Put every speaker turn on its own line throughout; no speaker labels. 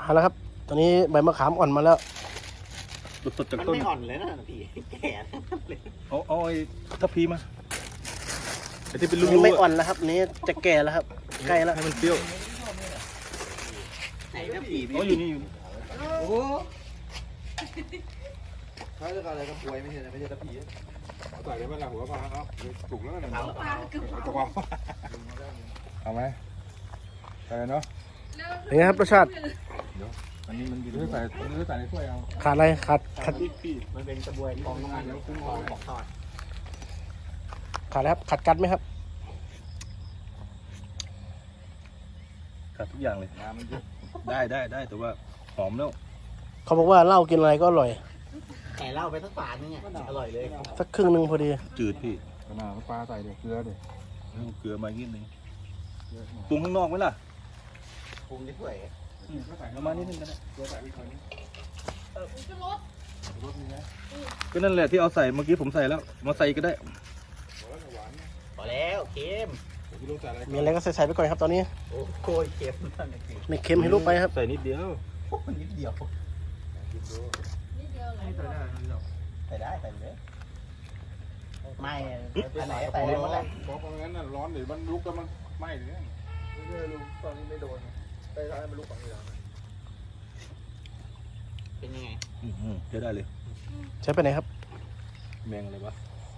มาแล้วครับตอนนี้ใบมะขามอ่อนมาแล้ว
สดๆจาก
มัน
ต้น
ไม่อ่อนเลยนะพี่แก่เลย
เอาไอ้ทัพพีมาไอ้ที่เป็น
อั
ลู
น
ก
นี้
ๆ
ไม่อ่อนแล้วครับนี้จะแก่แล้วครับใกล้แล้ว
ให้มันเปรี้ยว
ไหนนะพี่
อ๋ออยู่นี่อยู่นี่
โอ้เขาจะอะไรกับป่วยไม่ใช่ไม่ใช่ตะผีใส่ได้ไหมล่ะหัวปลาเอาถูกแล้วนะตัวปลาเอาไหมใส่เนาะ
เป็นไงครับรสชาติ
อันนี้มันอยู่
ใส่ในถ้วยเอา
ขาดอะไรขาด
มันเป็นกระบวยทองน้ำมันแล้วคุ้มทองบอกทอด
ขาดอะไรครับขาดกัดไหมครับ
ขาดทุกอย่างเลย
น้ำมันเยอะ
ได้แต่ว่าหอมแล้ว
เขาบอกว่าเหล้ากินอะไรก็อร่อย
แก่เหล้าไปสักฝานึงอร่อยเลย
สักครึ่งหนึ่งพอดี
จืดพี่
ขนาดปลาใส่เดี๋ยวเกลือเดี๋ยว
เอาเกลือมานิดนึงปรุงข้างนอกไหมล่ะ
ปรุงด้วย
เอามานิดนึงก็ได้
เกลือใส่อีกหน่อยนึงรสนี่นะ
ก็นั่นแหละที่เอาใส่เมื่อกี้ผมใส่แล้วมาใส่ก็ได้
หวาน
พอแล้วเค็ม
พี่ลุงใส่อะไร
มีอะไรก็ใส่ไปก่อนครับตอนนี้
โอ้โหเค็มนั่นเอง
ไม่เค็มให้ลูกไปครับ
ใส่นิดเดียว
โอ้นิดเดียว
กินดู
ใส่ได้ใส่เลยไม่อันไหนใส่เลยหมดเลย
บอกว่างั้นน่ะร้อนเดี๋ยวมันลุกแล้วมันไหม้เลยไม่ใช่ลุงตอนนี้ไม่โดนไปร้านมันลุกฝั่งนี้แล้ว
เป็นยังไง
ใช้ได้เลย
ใช้ไปไหนครับ
แมงอะไรวะ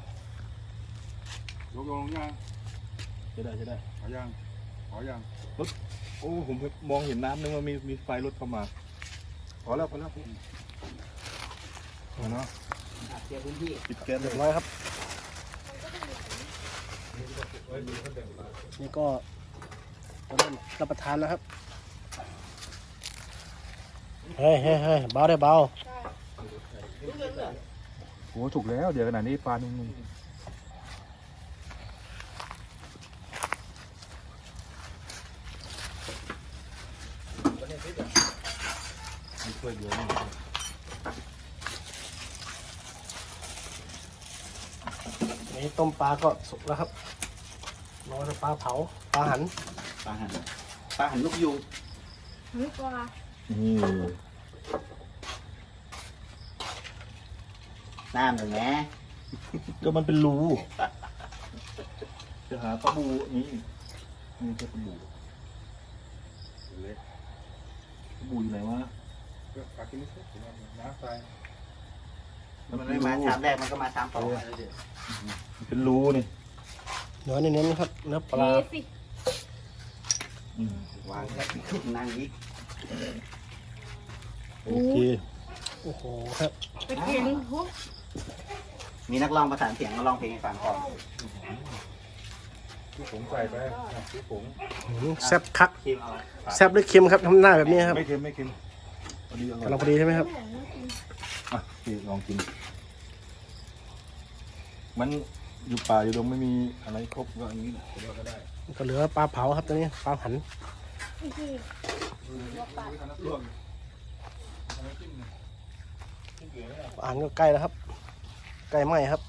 ยกลงยัง
ใช้ได้
ขอยังขอยัง
โอ้ผมมองเห็นน้ำนึกว่ามีไฟรถเข้ามา
พอแล้วพี่เนาะ
เตรียมพื้นที่
ปิดแก๊สเล
เรี
ย
ยบร้อยครับนี่ก็เริ่มรับประทานแล้วครับเฮ้ยเบาได้เบา
โอ้ถูกแล้วเดี๋ยวขนาดนี้ปลานุ่ม
มีถ้วยเดียวนี่
นี่ต้มปลาก็สุกแล้วครับรอจะปลาเผาปลาหัน
ปลาหันลูกยูง
นี่
น้ำหนึ่งแม่
ก็มันเป็นรูจะหาปลาบูนี่จะปลาบูปลาบูอยู่ไหนวะ
ๆปลากินนิดน้ำใส่
มันไม่มาชามแรกมันก็มาชามสอง
มันเป็นรูนี่
เนื้อเน้นๆครับเนื้อปลา
วางแล้วนั่งอีก
โอเค
โอ้โหครับ
มีนักร้องประสานเสียงมาร้องเพลงให้ฟังก่อน
ที่ผงใส่ไปที่ผง
แซ่บคัก
คิมเอา
แซ่บหรือเค็มครับทำหน้าแบบนี้ครับ
ไม่เค็มพอดีอร่อย
กำลังพอดีใช่ไหมครับ
อ่ะพี่ลองกิน มันอยู่ป่าอยู่ดงไม่มีอะไรครบก็อย่างนี้แหละก็ได้
ก็เหลือปลาเผาครับตอนนี้ปลาหันปลาหันก็ใกล้แล้วครับใกล้ไหมครับ